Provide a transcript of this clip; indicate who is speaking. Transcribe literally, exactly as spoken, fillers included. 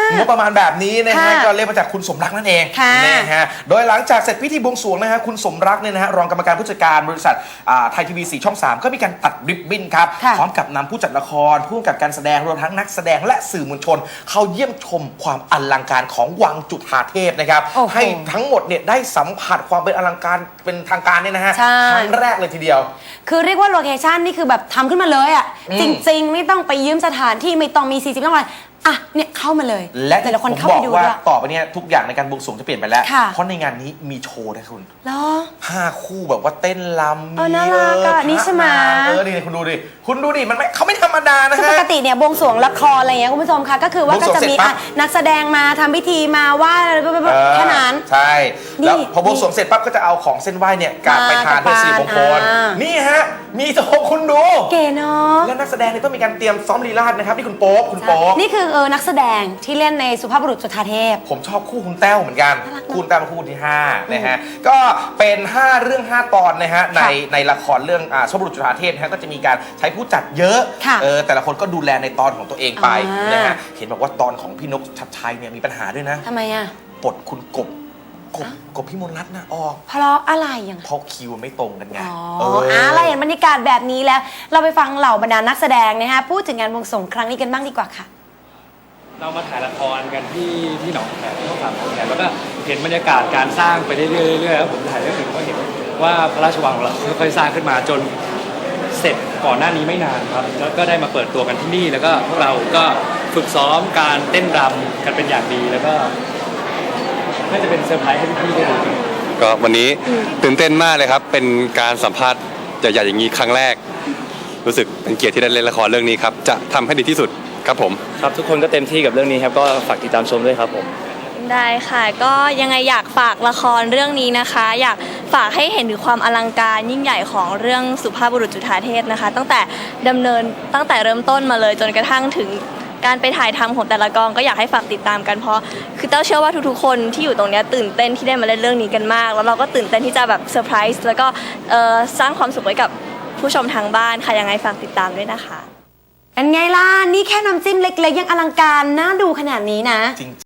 Speaker 1: งบประมาณแบบนี้นะฮะ
Speaker 2: ค่ะ
Speaker 1: ก็เรียกมาจากคุณสมรักนั่นเอง
Speaker 2: ค่ะ
Speaker 1: นะฮะโดยหลังจากเสร็จพิธีบวงสรวงนะฮะคุณสมรักเนี่ยนะฮะรองกรรมการผู้จัดการบริษัทอ่าไทยทีวีสี่ช่องสามก็มีการตัดริบบิ้นครับ
Speaker 2: ค่ะ
Speaker 1: พร้อมกับนำผู้จัดละครผู้กำกับการแสดงรวมทั้งนักแสดงและสื่อมวลชน เข้าเยี่ยมชมความอลังการของวังจุฑาเทพนะครับ
Speaker 2: โอ้โห
Speaker 1: ให้ทั้งหมดเนี่ยได้สัมผัสความเป็นอลังการเป็นทางการเนี่ยนะฮะ
Speaker 2: ใช่
Speaker 1: ครั้งแรกเลยทีเดียว
Speaker 2: คือเรียกว่าโลเคชั่นนี่คือแบบทำขึ้นมาเลยอ่ะ
Speaker 1: อืม
Speaker 2: จริง ๆ ไม่ต้องไปยืมสถานที่ไม่ต้องมีสี่สิบต้องอะไรอ่ะเนี่ยเข้ามาเลย
Speaker 1: และ
Speaker 2: แต่ละคน
Speaker 1: ผม
Speaker 2: เข้า
Speaker 1: บ
Speaker 2: ไป
Speaker 1: อก
Speaker 2: ดู
Speaker 1: ว่า
Speaker 2: ด้วย
Speaker 1: ต่อไปเนี่ยทุกอย่างในการบวงสรวงจะเปลี่ยนไปแล้ว
Speaker 2: ค่ะ
Speaker 1: เพราะในงานนี้มีโชว์นะคุณ
Speaker 2: เหรอ
Speaker 1: ห้าคู่แบบว่าเต้นรำ
Speaker 2: เออน่ารักอะ
Speaker 1: เออ
Speaker 2: นี่ใช่ไหม
Speaker 1: เออนี่คุณดูดิคุณดูดิมันไม่เขาไม่ธรรมดานะ
Speaker 2: คือ
Speaker 1: ฮะ
Speaker 2: ปกติเนี่ยบวงสรวงละครอะไรเงี้ยคุณผู้ชมคะก็คือว่า
Speaker 1: บวง
Speaker 2: ก็
Speaker 1: สรวง
Speaker 2: จะมี
Speaker 1: เสร็จปั๊
Speaker 2: อ่ะ
Speaker 1: บ
Speaker 2: นักแสดงมาทำพิธีมาไหว่าอะไรแบบ
Speaker 1: เออ
Speaker 2: แค่นั้น
Speaker 1: ใช่
Speaker 2: นี่
Speaker 1: แล้วพอบวงสรวงเสร็จปั๊บก็จะเอาของเส้นไหว้เนี่ยกลับไปทานเพื่อสิริมงคล
Speaker 2: อ่านี่
Speaker 1: นี่ฮะมีโชว์คุณดู
Speaker 2: เก๋เนาะ
Speaker 1: และนักแสดงเนี่ยต้องมีการเตรียมซ้อมลีลาศนะครับนี่คุณโป๊กคุณโป๊ก
Speaker 2: นี่คือเออนักแสดงที่เล่นในสุภาพบุรุษจุฑาเทพ
Speaker 1: ผมชอบคู่คุณแต้วเหมือนกัน
Speaker 2: น่ารักเนอะ
Speaker 1: คู่คุณแต้วเป็นคู่ที่ห้านะฮะก็เป็นห้าเรื่องห้าตอนนะฮะใน
Speaker 2: ค่ะ
Speaker 1: ในละครเรื่องอ่าสุภาพบุรุษจุฑาเทพนะฮะก็จะมีการใช้ผู้จัดเยอะ
Speaker 2: ค่ะ
Speaker 1: เออแต่ละคนก็ดูแลในตอนของตัวเองไป
Speaker 2: อ่าน
Speaker 1: นะฮะเห็นบอกว่าตอนของพี่นกชัดชัยเนี่ยมีปัญหาด้วยนะ
Speaker 2: ทำไมอ่ะ
Speaker 1: ปลดคุณกบกบกบพี่มนต์รัตน์นะออก
Speaker 2: เพราะอะไรอย่าง
Speaker 1: เพราะคิวไม่ตรงกันไง
Speaker 2: อ๋อ
Speaker 1: เออ
Speaker 2: อ่ะเราเห็นบรรยากาศแบบนี้แล้ว เราไปฟังเหล่าบรรดานักแสดงนะฮะพูดถึงงานบวงสรวงครั้งนี้กันบ้างดีกว่าค่ะ
Speaker 3: เรามาถ่ายละครกันที่ที่หนองแขมช่องสามหนองแขมแล้วก็เห็นบรรยากาศการสร้างไปเรื่อยๆเรื่อยๆแล้วผมถ่ายเรื่องหนึ่งก็เห็นว่าพระราชวังของเราค่อยๆสร้างขึ้นมาจนเสร็จก่อนหน้านี้ไม่นานครับแล้วก็ได้มาเปิดตัวกันที่นี่แล้วก็พวกเราก็ฝึกซ้อมการเต้นรำกันเป็นอย่างดีแล้วก็น่าจะเป็นเซอร์ไพรส์ให้พี่ๆได้ดู
Speaker 4: ก็วันนี้ตื่นเต้นมากเลยครับ เป็นการสัมภาษณ์ใหญ่ๆอย่างนี้ครั้งแรก รู้สึกเป็นเกียรติที่ได้เล่นละครเรื่องนี้ครับ จะทำให้ดีที่สุดครับผม
Speaker 3: ครับทุกคนก็เต็มที่กับเรื่องนี้ครับก็ฝากติดตามชมด้วยครับผม
Speaker 5: ได้ค่ะก็ยังไงอยากฝากละครเรื่องนี้นะคะ อยากฝากให้เห็นถึงความอลังการยิ่งใหญ่ของเรื่องสุภาพบุรุษจุฑาเทพนะคะ ตั้งแต่ดำเนินตั้งแต่เริ่มต้นมาเลยจนกระทั่งถึงการไปถ่ายทำของแต่ละกองก็อยากให้ฝากติดตามกันเพราะคือเต้าเชื่อว่าทุกๆคนที่อยู่ตรงเนี้ยตื่นเต้นที่ได้มาเล่นเรื่องนี้กันมาก แล้วเราก็ตื่นเต้นที่จะแบบเซอร์ไพรส์แล้วก็เอ่อสร้างความสุขไว้กับผู้ชมทางบ้านค่ะยังไงฝากติดตามด้วยนะคะ
Speaker 2: เป็นไงล่ะ นี่แค่น้ำจิ้มเล็กๆ ยังอลังการน่าดูขนาดนี้นะ
Speaker 1: จริง